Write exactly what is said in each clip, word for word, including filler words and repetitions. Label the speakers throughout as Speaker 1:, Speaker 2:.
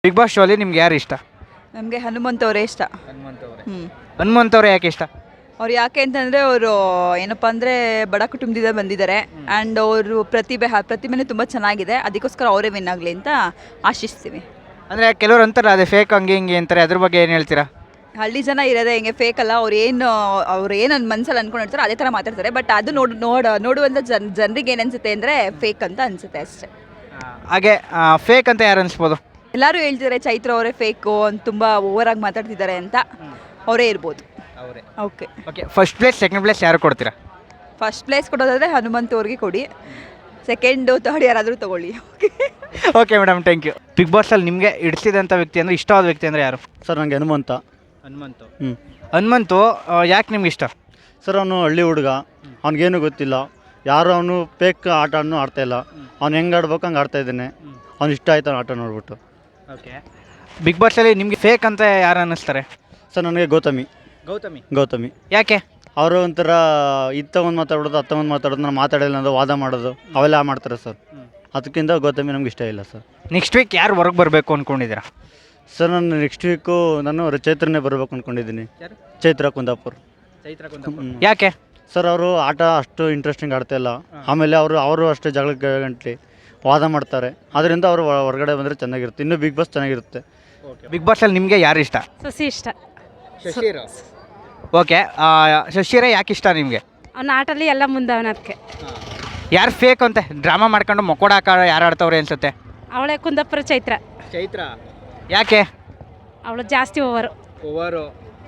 Speaker 1: Big boss show ಅಲ್ಲಿ ನಿಮ್ಗೆ ಯಾರು ಇಷ್ಟ?
Speaker 2: ನಮಗೆ ಹನುಮಂತ್ ಅವರೇ ಇಷ್ಟ.
Speaker 1: ಹನುಮಂತ್ ಅವರೇ.
Speaker 2: ಹ್ಞೂ
Speaker 1: ಹನುಮಂತ್ ಅವರೇ ಯಾಕೆ ಇಷ್ಟ?
Speaker 2: ಅವ್ರು ಯಾಕೆ ಅಂತಂದರೆ ಅವರು ಏನಪ್ಪ ಅಂದರೆ ಬಡ ಕುಟುಂಬದಿಂದ ಬಂದಿದ್ದಾರೆ ಆ್ಯಂಡ್ ಅವರು ಪ್ರತಿಭೆ ಹ ಪ್ರತಿಭೆನೂ ತುಂಬ ಚೆನ್ನಾಗಿದೆ. ಅದಕ್ಕೋಸ್ಕರ ಅವರೇ ವಿನ್ ಆಗಲಿ ಅಂತ ಆಶಿಸ್ತೀವಿ.
Speaker 1: ಅಂದರೆ ಕೆಲವರು ಅಂತಾರೆ ಅದೇ ಫೇಕ್ ಹಂಗೆ ಹಿಂಗೆ ಅಂತಾರೆ, ಅದ್ರ ಬಗ್ಗೆ ಏನು ಹೇಳ್ತೀರಾ?
Speaker 2: ಹಳ್ಳಿ ಜನ ಇರೋದೇ ಹಿಂಗೆ ಫೇಕ್ ಅಲ್ಲ. ಅವ್ರು ಏನು ಅವ್ರು ಏನು ನನ್ನ ಮನಸ್ಸಲ್ಲಿ ಅಂದ್ಕೊಂಡಿರ್ತಾರೆ ಅದೇ ಥರ ಮಾತಾಡ್ತಾರೆ. ಬಟ್ ಅದು ನೋಡ್ ನೋಡ ನೋಡುವಂಥ ಜನ ಜನರಿಗೆ ಏನು ಅನಿಸುತ್ತೆ ಅಂದರೆ ಫೇಕ್ ಅಂತ ಅನಿಸುತ್ತೆ ಅಷ್ಟೇ.
Speaker 1: ಹಾಗೆ ಫೇಕ್ ಅಂತ ಯಾರು ಅನಿಸ್ಬೋದು?
Speaker 2: ಎಲ್ಲರೂ ಹೇಳ್ತಿದ್ದಾರೆ ಚೈತ್ರ ಅವರೇ ಫೇಕು ಅಂತ, ತುಂಬ ಓವರಾಗಿ ಮಾತಾಡ್ತಿದ್ದಾರೆ ಅಂತ. ಅವರೇ ಇರ್ಬೋದು.
Speaker 1: ಅವರೇ.
Speaker 2: Okay
Speaker 1: okay, first place second place ಯಾರು ಕೊಡ್ತೀರಾ?
Speaker 2: ಫಸ್ಟ್ ಪ್ಲೇಸ್ ಕೊಡೋದಾದರೆ ಹನುಮಂತ್ ಅವ್ರಿಗೆ ಕೊಡಿ, ಸೆಕೆಂಡು ಥರ್ಡ್ ಯಾರಾದರೂ ತೊಗೊಳ್ಳಿ. Okay
Speaker 1: okay madam, thank you. Big ಬಾಸಲ್ಲಿ ನಿಮಗೆ ಇಡಿಸಿದಂಥ ವ್ಯಕ್ತಿ ಅಂದರೆ ಇಷ್ಟವಾದ ವ್ಯಕ್ತಿ ಅಂದರೆ ಯಾರು?
Speaker 3: ಸರ್ ನನಗೆ ಹನುಮಂತ.
Speaker 1: ಹನುಮಂತು.
Speaker 3: ಹ್ಞೂ
Speaker 1: ಹನುಮಂತು ಯಾಕೆ ನಿಮ್ಗೆ ಇಷ್ಟ?
Speaker 3: ಸರ್ ಅವನು ಹಳ್ಳಿ ಹುಡುಗ, ಅವ್ನಿಗೇನು ಗೊತ್ತಿಲ್ಲ, ಯಾರು ಅವನು ಫೇಕ್ ಆಟನೂ ಆಡ್ತಾಯಿಲ್ಲ. ಅವ್ನು ಹೆಂಗೆ ಆಡ್ಬೇಕು ಹಂಗೆ ಆಡ್ತಾ ಇದ್ದಾನೆ. ಅವ್ನು ಇಷ್ಟ ಆಯ್ತು ಅವ್ನು ಆಟ ನೋಡ್ಬಿಟ್ಟು.
Speaker 1: ಓಕೆ, ಬಿಗ್ ಬಾಸಲ್ಲಿ ನಿಮಗೆ ಫೇಕ್ ಅಂತ ಯಾರು ಅನ್ನಿಸ್ತಾರೆ?
Speaker 3: ಸರ್ ನನಗೆ ಗೌತಮಿ.
Speaker 1: ಗೌತಮಿ.
Speaker 3: ಗೌತಮಿ
Speaker 1: ಯಾಕೆ?
Speaker 3: ಅವರು ಒಂಥರ ಇತ್ತ ಒಂದು ಮಾತಾಡೋದು ಅತ್ತ ಒಂದು ಮಾತಾಡೋದು, ನಾನು ಮಾತಾಡಿಲ್ಲ ಅನ್ನೋದು, ವಾದ ಮಾಡೋದು ಅವೆಲ್ಲ ಮಾಡ್ತಾರೆ ಸರ್. ಅದಕ್ಕಿಂತ ಗೌತಮಿ ನಮ್ಗೆ ಇಷ್ಟ ಇಲ್ಲ ಸರ್.
Speaker 1: ನೆಕ್ಸ್ಟ್ ವೀಕ್ ಯಾರು ಹೊರಗೆ ಬರಬೇಕು ಅಂದ್ಕೊಂಡಿದ್ದೀರಾ?
Speaker 3: ಸರ್ ನಾನು ನೆಕ್ಸ್ಟ್ ವೀಕು ನಾನು ಚೈತ್ರನೇ ಬರಬೇಕು ಅಂದ್ಕೊಂಡಿದ್ದೀನಿ. ಚೈತ್ರ ಕುಂದಾಪುರ್.
Speaker 1: ಯಾಕೆ?
Speaker 3: ಸರ್ ಅವರು ಆಟ ಅಷ್ಟು ಇಂಟ್ರೆಸ್ಟಿಂಗ್ ಆಡ್ತಾಯಿಲ್ಲ. ಆಮೇಲೆ ಅವರು ಅವರು ಅಷ್ಟೇ ಜಗಳಕ್ಕೆ ಗಂಟ್ಲಿ ವಾದ ಮಾಡ್ತಾರೆ. ಅದರಿಂದ ಅವರು ಹೊರಗಡೆ ಬಂದರೆ ಚೆನ್ನಾಗಿರುತ್ತೆ. ಇನ್ನೂ ಬಿಗ್ ಬಾಸ್ ಚೆನ್ನಾಗಿರುತ್ತೆ.
Speaker 1: ಬಿಗ್ ಬಾಸಲ್ಲಿ ನಿಮಗೆ ಯಾರು ಇಷ್ಟ?
Speaker 4: ಸಸಿ ಇಷ್ಟ.
Speaker 1: ಶಶಿರ. ಓಕೆ, ಶಶಿರ ಯಾಕೆ ಇಷ್ಟ ನಿಮಗೆ?
Speaker 4: ಅವ್ನ ಆಟಲ್ಲಿ ಎಲ್ಲ ಮುಂದವನ. ಅದಕ್ಕೆ
Speaker 1: ಯಾರು ಫೇಕ್ ಅಂತ ಡ್ರಾಮಾ ಮಾಡ್ಕೊಂಡು ಮೊಕೋಡ ಹಾಕ ಯಾರು ಆಡ್ತವ್ರೆ ಅನ್ಸುತ್ತೆ?
Speaker 4: ಅವಳೆ ಕುಂದಾಪುರ ಚೈತ್ರ.
Speaker 1: ಚೈತ್ರ ಯಾಕೆ?
Speaker 4: ಅವಳು ಜಾಸ್ತಿ ಓವರು.
Speaker 1: ಓವರು.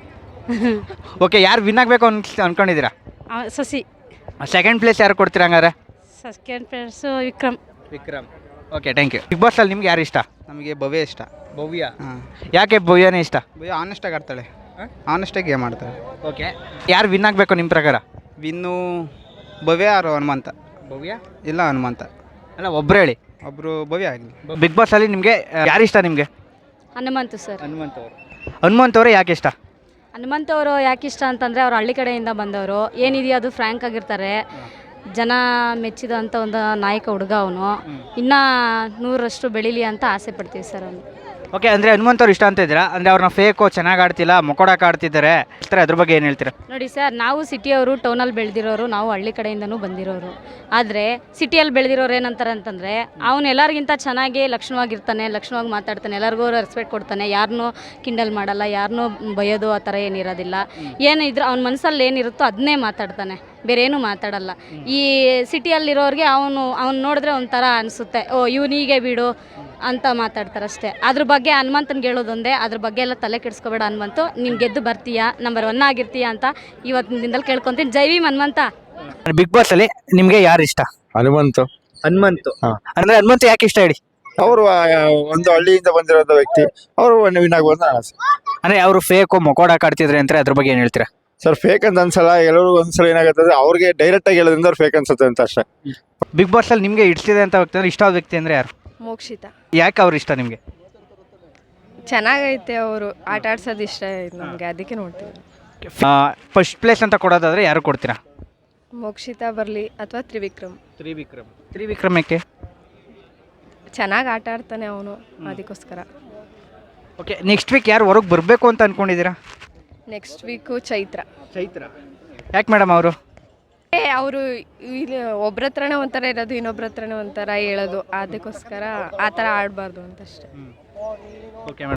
Speaker 1: ಓಕೆ, ಯಾರು ವಿನ್ ಆಗಬೇಕು ಅನ್ ಅನ್ಕೊಂಡಿದ್ದೀರಾ?
Speaker 4: ಸಸಿ.
Speaker 1: ಸೆಕೆಂಡ್ ಪ್ಲೇಸ್ ಯಾರು ಕೊಡ್ತೀರಾ ಹಂಗಾರೆ?
Speaker 4: Second place Vikram.
Speaker 1: Vikram. Okay, thank you. Big ಬಾಸಲ್ಲಿ ನಿಮ್ಗೆ ಯಾರು ಇಷ್ಟ?
Speaker 5: ನಮಗೆ ಭವ್ಯ ಇಷ್ಟ.
Speaker 1: ಭವ್ಯ.
Speaker 5: ಹಾಂ,
Speaker 1: ಯಾಕೆ ಭವ್ಯನೇ ಇಷ್ಟ?
Speaker 5: ಭವ್ಯ ಆನೆಸ್ಟಾಗಿ ಆಡ್ತಾಳೆ. ಆನೆಸ್ಟಾಗಿ ಗೇಮ್ ಆಡ್ತಾಳೆ.
Speaker 1: ಓಕೆ, ಯಾರು ವಿನ್ ಆಗಬೇಕು ನಿಮ್ಮ ಪ್ರಕಾರ?
Speaker 5: ವಿನ್ನು ಭವ್ಯ ಆರು ಹನುಮಂತ.
Speaker 1: ಭವ್ಯ
Speaker 5: ಇಲ್ಲ ಹನುಮಂತ.
Speaker 1: ಅಲ್ಲ, ಒಬ್ರು ಹೇಳಿ.
Speaker 5: ಒಬ್ಬರು ಭವ್ಯ ಆಗಲಿ.
Speaker 1: ಬಿಗ್ ಬಾಸಲ್ಲಿ ನಿಮಗೆ ಯಾರು ಇಷ್ಟ ನಿಮಗೆ?
Speaker 4: ಹನುಮಂತು ಸರ್.
Speaker 1: ಹನುಮಂತ್ ಅವರು. ಹನುಮಂತ್ ಅವರೇ ಯಾಕೆ ಇಷ್ಟ?
Speaker 4: ಹನುಮಂತ ಅವರು ಯಾಕೆ ಇಷ್ಟ ಅಂತಂದರೆ ಅವ್ರು ಹಳ್ಳಿ ಕಡೆಯಿಂದ ಬಂದವರು. ಏನಿದೆಯೋ ಅದು ಫ್ರ್ಯಾಂಕ್ ಆಗಿರ್ತಾರೆ. ಜನ ಮೆಚ್ಚಿದಂಥ ಒಂದು ನಾಯಕ ಹುಡುಗ ಅವನು. ಇನ್ನೂ ನೂರರಷ್ಟು ಬೆಳೀಲಿ ಅಂತ ಆಸೆ ಪಡ್ತೀವಿ ಸರ್ ಅವನು.
Speaker 1: ಓಕೆ, ಅಂದರೆ ಹನುಮಂತ್ ಅವ್ರು ಇಷ್ಟ ಅಂತ ಇದ್ದೀರಾ? ಅಂದರೆ ಅವ್ರನ್ನ ಫೇಕು ಚೆನ್ನಾಗಿ ಆಡ್ತಿಲ್ಲ, ಮೊಕೋಡಾಕ ಆಡ್ತಿದ್ದಾರೆ ಇರ್ತಾರೆ, ಅದ್ರ ಬಗ್ಗೆ ಏನು ಹೇಳ್ತೀರಾ?
Speaker 4: ನೋಡಿ ಸರ್, ನಾವು ಸಿಟಿಯವರು, ಟೌನಲ್ಲಿ ಬೆಳೆದಿರೋರು, ನಾವು ಹಳ್ಳಿ ಕಡೆಯಿಂದನೂ ಬಂದಿರೋರು. ಆದರೆ ಸಿಟಿಯಲ್ಲಿ ಬೆಳೆದಿರೋರು ಏನಂತಾರೆ ಅಂತಂದರೆ ಅವನು ಎಲ್ಲರಿಗಿಂತ ಚೆನ್ನಾಗಿ ಲಕ್ಷಣವಾಗಿರ್ತಾನೆ, ಲಕ್ಷಣವಾಗಿ ಮಾತಾಡ್ತಾನೆ, ಎಲ್ಲರಿಗೂ ರೆಸ್ಪೆಕ್ಟ್ ಕೊಡ್ತಾನೆ, ಯಾರನ್ನೂ ಕಿಂಡಲ್ ಮಾಡಲ್ಲ, ಯಾರನ್ನೂ ಬೈಯೋದು ಆ ಥರ ಏನಿರೋದಿಲ್ಲ. ಏನಿದ್ರು ಅವ್ನ ಮನಸ್ಸಲ್ಲಿ ಏನಿರುತ್ತೋ ಅದನ್ನೇ ಮಾತಾಡ್ತಾನೆ, ಬೇರೆ ಏನೂ ಮಾತಾಡಲ್ಲ. ಈ ಸಿಟಿಯಲ್ಲಿರೋರಿಗೆ ಅವನು ಅವ್ನು ನೋಡಿದ್ರೆ ಒಂಥರ ಅನಿಸುತ್ತೆ, ಓ ಇವನಿಗೆ ಬಿಡು ಅಂತ ಮಾತಾಡ್ತಾರೆ ಅಷ್ಟೇ. ಅದ್ರ ಬಗ್ಗೆ ಹನುಮಂತನ್ಗೆ ಹೇಳೋದೊಂದೇ, ಅದ್ರ ಬಗ್ಗೆ ಎಲ್ಲ ತಲೆ ಕೆಡಿಸ್ಕೋಬೇಡ ಹನುಮಂತು, ನೀನು ಗೆದ್ದು ಬರ್ತೀಯಾ, ನಂಬರ್ ಒನ್ ಆಗಿರ್ತೀಯಾ ಅಂತ ಇವತ್ತಿನ ದಿನದಲ್ಲಿ ಕೇಳ್ಕೊತೀನಿ. ಜೈ ಭೀಮ್ ಹನುಮಂತ.
Speaker 1: ಬಿಗ್ ಬಾಸ್ ಅಲ್ಲಿ ನಿಮಗೆ ಯಾರು ಇಷ್ಟ?
Speaker 6: ಹನುಮಂತು.
Speaker 1: ಹನುಮಂತು. ಅಂದ್ರೆ ಹನುಮಂತು ಯಾಕೆ ಇಷ್ಟ ಹೇಳಿ?
Speaker 6: ಅವರು ಒಂದು ಹಳ್ಳಿಯಿಂದ ಬಂದಿರೋ ವ್ಯಕ್ತಿ, ಅವರು ವಿನ್ ಆಗ್ಬೋದು ಆಸೆ.
Speaker 1: ಅಂದ್ರೆ ಅವರು ಫೇಕ್ ಮೊಕೋಡಾಕ ಆಡ್ತಿದ್ರೆ ಅಂತ, ಅದ್ರ ಬಗ್ಗೆ ಏನ್ ಹೇಳ್ತೀರಾ?
Speaker 6: ಸರ್ ಫೇಕ್ ಅಂತ ಅನ್ಸಲ್ಲ, ಎಲ್ಲರೂ ಒಂದ್ಸಲ ಏನಾಗುತ್ತೆ ಅಂದ್ರೆ ಅವ್ರಿಗೆ ಡೈರೆಕ್ಟ್ ಆಗಿ ಹೇಳೋದ್ರಿಂದ ಅವ್ರು ಫೇಕ್ ಅನ್ಸುತ್ತೆ ಅಂತ ಅಷ್ಟೇ.
Speaker 1: ಬಿಗ್ ಬಾಸ್ ಅಲ್ಲಿ ನಿಮ್ಗೆ ಇಡ್ಸಿದೆ ಅಂತ ವ್ಯಕ್ತಿ ಅಂದ್ರೆ ಇಷ್ಟವಾದ ವ್ಯಕ್ತಿ ಅಂದ್ರೆ ಯಾರು?
Speaker 2: ಮೋಕ್ಷಿತ.
Speaker 1: ಯಾಕೆ ಅವ್ರು ಇಷ್ಟ ನಿಮಗೆ?
Speaker 2: ಚೆನ್ನಾಗೈತೆ, ಅವರು ಆಟ ಆಡ್ಸೋದು ಇಷ್ಟ ಆಯ್ತು ನಮಗೆ, ಅದಕ್ಕೆ ನೋಡ್ತೀವಿ.
Speaker 1: ಫಸ್ಟ್ ಪ್ಲೇಸ್ ಅಂತ ಕೊಡೋದಾದ್ರೆ ಯಾರು ಕೊಡ್ತೀರಾ?
Speaker 2: ಮೋಕ್ಷಿತ ಬರಲಿ ಅಥವಾ ತ್ರಿವಿಕ್ರಮ್.
Speaker 1: ತ್ರಿವಿಕ್ರಮ್. ತ್ರಿವಿಕ್ರಮ್ ಯಾಕೆ?
Speaker 2: ಚೆನ್ನಾಗಿ ಆಟ ಆಡ್ತಾನೆ ಅವನು, ಅದಕ್ಕೋಸ್ಕರ.
Speaker 1: ಓಕೆ, ನೆಕ್ಸ್ಟ್ ವೀಕ್ ಯಾರು ಹೊರಗೆ ಬರಬೇಕು ಅಂತ ಅನ್ಕೊಂಡಿದ್ದೀರಾ?
Speaker 2: Next week Chaitra.
Speaker 1: ಚೈತ್ರ ಯಾಕೆ ಮೇಡಮ್ ಅವರು?
Speaker 2: ಅವರು ಇಲ್ಲಿ ಒಬ್ರ ಹತ್ರನೇ ಒಂಥರ ಇರೋದು, ಇನ್ನೊಬ್ರ ಹತ್ರನೇ ಒಂಥರ ಹೇಳೋದು, ಅದಕ್ಕೋಸ್ಕರ ಆ ಥರ ಆಡಬಾರ್ದು ಅಂತಷ್ಟೇ.
Speaker 1: Okay madam.